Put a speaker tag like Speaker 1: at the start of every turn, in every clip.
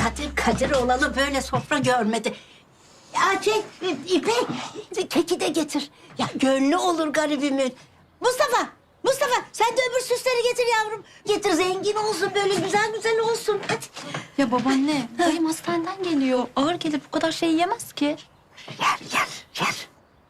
Speaker 1: Kadir olalı böyle sofra görmedi. Ya İpek, keki de getir. Ya gönlü olur garibimin. Mustafa sen de öbür süsleri getir yavrum. Getir, zengin olsun, böyle güzel güzel olsun. Hadi.
Speaker 2: Ya babaanne, dayım hastaneden geliyor. Ağır gelir, bu kadar şey yemez ki.
Speaker 1: Yer.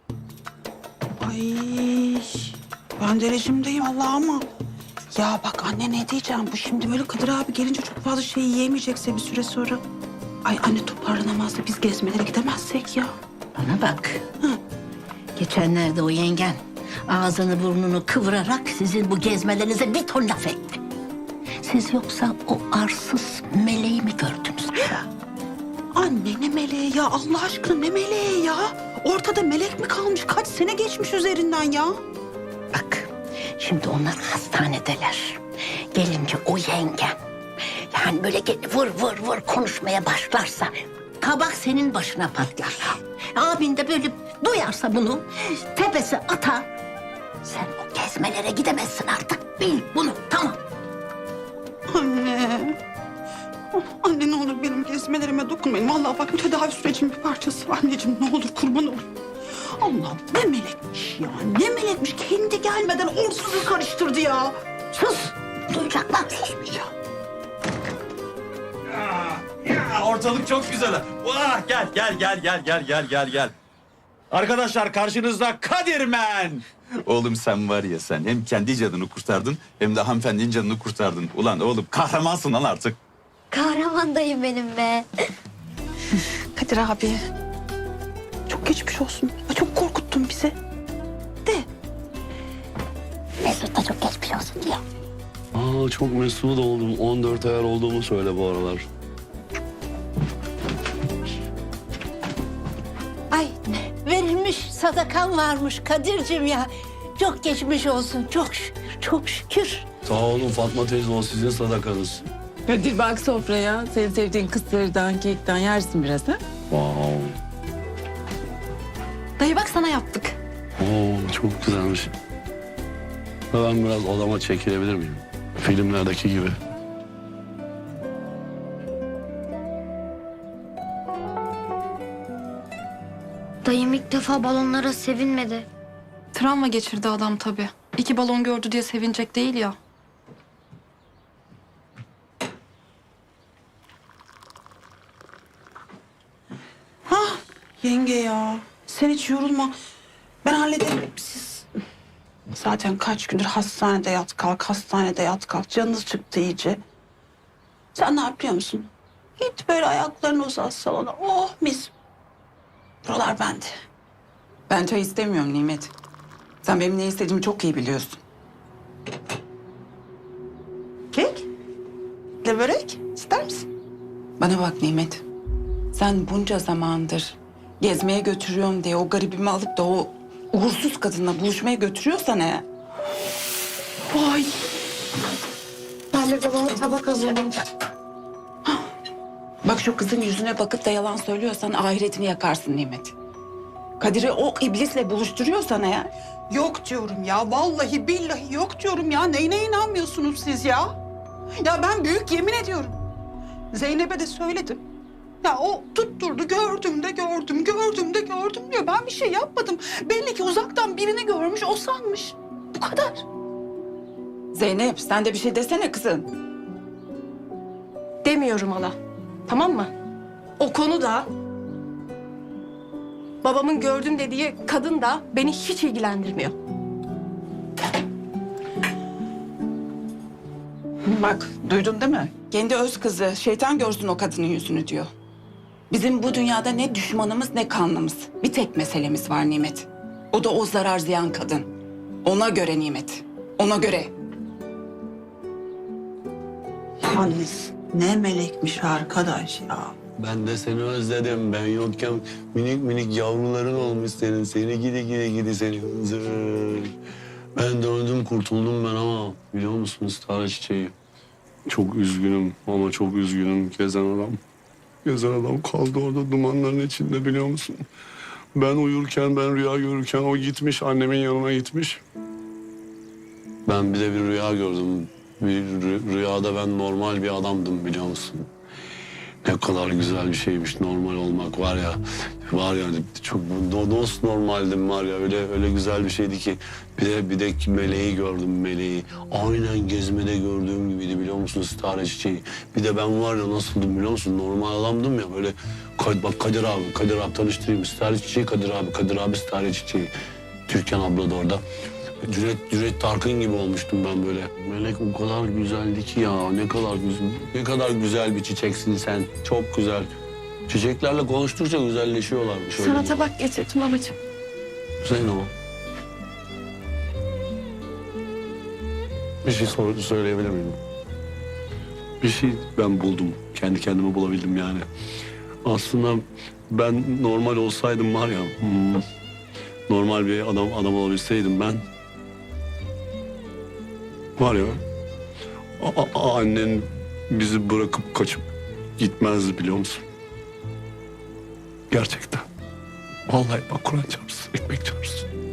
Speaker 3: Ay, ben de rejimdeyim Allah ama. Ya bak anne ne diyeceğim, bu şimdi böyle Kadir abi gelince çok fazla şey yiyemeyecekse bir süre sonra. Ay anne toparlanamaz da biz gezmelere gidemezsek ya.
Speaker 1: Bana bak. Geçenlerde o yengen ağzını burnunu kıvırarak sizin bu gezmelerinize bir ton laf etti. Siz yoksa o arsız meleği mi gördünüz?
Speaker 3: Anne ne meleği ya, Allah aşkına ne meleği ya? Ortada melek mi kalmış? Kaç sene geçmiş üzerinden ya?
Speaker 1: Bak, şimdi onlar hastanedeler. Gelince o yengen, yani böyle vır konuşmaya başlarsa kabak senin başına patlar. Abin de böyle duyarsa bunu tepesi atar. Sen o gezmelere gidemezsin artık. Bil bunu, tamam.
Speaker 3: Anne. Oh, anne ne olur benim gezmelerime dokunmayın. Vallahi bak tedavi sürecinin bir parçası. Anneciğim ne olur kurban olur. Allah'ım ne melekmiş ya. Ne melekmiş. Kendi gelmeden orsuzu karıştırdı ya.
Speaker 1: Sus, duyacaklar, susmayacağım.
Speaker 4: Ya ortalık çok güzel. Vah gel. Arkadaşlar karşınızda Kadirmen. Oğlum sen var ya, sen hem kendi canını kurtardın hem de hanımefendinin canını kurtardın. Ulan oğlum kahramansın lan artık.
Speaker 2: Kahraman dayım benim be.
Speaker 3: Kadir abi. Çok geçmiş olsun. Ya çok korkuttun bizi. De.
Speaker 1: Mesut da çok geçmiş olsun diyor.
Speaker 5: Aa, çok mesut oldum. 14 ayar olduğumu söyle bu aralar.
Speaker 1: Ay, verilmiş sadakan varmış Kadir'cim ya. Çok geçmiş olsun, çok şükür.
Speaker 5: Sağ olun Fatma teyze, o sizin sadakanız.
Speaker 6: Kadir bak sofraya. Senin sevdiğin kısırdan, kekten yersin biraz ha?
Speaker 5: Wow.
Speaker 2: Dayı bak sana yaptık.
Speaker 5: Oo, çok güzelmiş. Ben biraz odama çekilebilir miyim? Filmlerdeki gibi.
Speaker 7: Dayım ilk defa balonlara sevinmedi.
Speaker 2: Travma geçirdi adam tabii. 2 balon gördü diye sevinecek değil ya.
Speaker 3: Yenge ya. Sen hiç yorulma. Ben hallederim. Siz zaten kaç gündür hastanede yat kalk. Canınız çıktı iyice. Sen ne yapıyor musun? Git böyle ayaklarını uzat salona. Oh mis. Buralar bende.
Speaker 6: Ben çay istemiyorum Nimet. Sen benim ne istediğimi çok iyi biliyorsun.
Speaker 3: Kek? Le börek? İster misin?
Speaker 6: Bana bak Nimet. Sen bunca zamandır gezmeye götürüyorum diye o garibimi alıp da o uğursuz kadınla buluşmaya götürüyorsan eğer.
Speaker 3: Vay.
Speaker 7: Ben de babama tabak hazırladım.
Speaker 6: Bak şu kızın yüzüne bakıp da yalan söylüyorsan ahiretini yakarsın Nimet. Kadir'i o iblisle buluşturuyorsan eğer.
Speaker 3: Yok diyorum ya. Vallahi billahi yok diyorum ya. Neyine inanmıyorsunuz siz ya? Ya ben büyük yemin ediyorum. Zeynep'e de söyledim. Ya o tutturdu, gördüm diyor. Ben bir şey yapmadım. Belli ki uzaktan birini görmüş, o sanmış. Bu kadar.
Speaker 6: Zeynep sen de bir şey desene kızım.
Speaker 8: Demiyorum hala. Tamam mı? O konu da babamın gördüm dediği kadın da beni hiç ilgilendirmiyor.
Speaker 6: Bak duydun değil mi? Kendi öz kızı şeytan görsün o kadının yüzünü diyor. Bizim bu dünyada ne düşmanımız ne kanlımız. Bir tek meselemiz var Nimet. O da o zarar ziyan kadın. Ona göre Nimet. Ona göre.
Speaker 3: Yalnız ne melekmiş arkadaş ya.
Speaker 5: Ben de seni özledim. Ben yokken minik minik yavruların olmuş senin. Seni gidi seni hınzır. Ben döndüm kurtuldum ben ama biliyor musunuz Tara Çiçeği? Çok üzgünüm ama çok üzgünüm gezen adam. Gezen adam kaldı orada dumanların içinde biliyor musun? Ben uyurken, ben rüya görürken o gitmiş, annemin yanına gitmiş. Ben bir de bir rüya gördüm. Bir rüyada ben normal bir adamdım biliyor musun? Ne kadar güzel bir şeymiş normal olmak var ya. Var ya çok dost normaldim var ya öyle güzel bir şeydi ki. Bir de meleği gördüm meleği. Aynen gezmede gördüğüm gibiydi biliyor musun stare çiçeği. Bir de ben var ya nasıldım biliyor musun? Normal adamdım ya böyle. Bak Kadir abi tanıştırayım. Stare çiçeği Kadir abi stare çiçeği. Türkan abla da orada. Cüret Tarkın gibi olmuştum ben böyle. Melek o kadar güzeldi ki ya. Ne kadar güzel bir çiçeksin sen. Çok güzel. Çiçeklerle konuştukça güzelleşiyorlarmış. öyle.
Speaker 8: Sana tabak getirdim babacığım.
Speaker 5: Zeyno. Bir şey söyleyebilir miyim? Bir şey ben buldum. Kendi kendime bulabildim yani. Aslında ben normal olsaydım var ya... normal bir adam olabilseydim ben... Var ya... annen bizi bırakıp kaçıp gitmezdi biliyor musun? Gerçekten. Vallahi bak Kur'an çarpsın, ekmek çarpsın.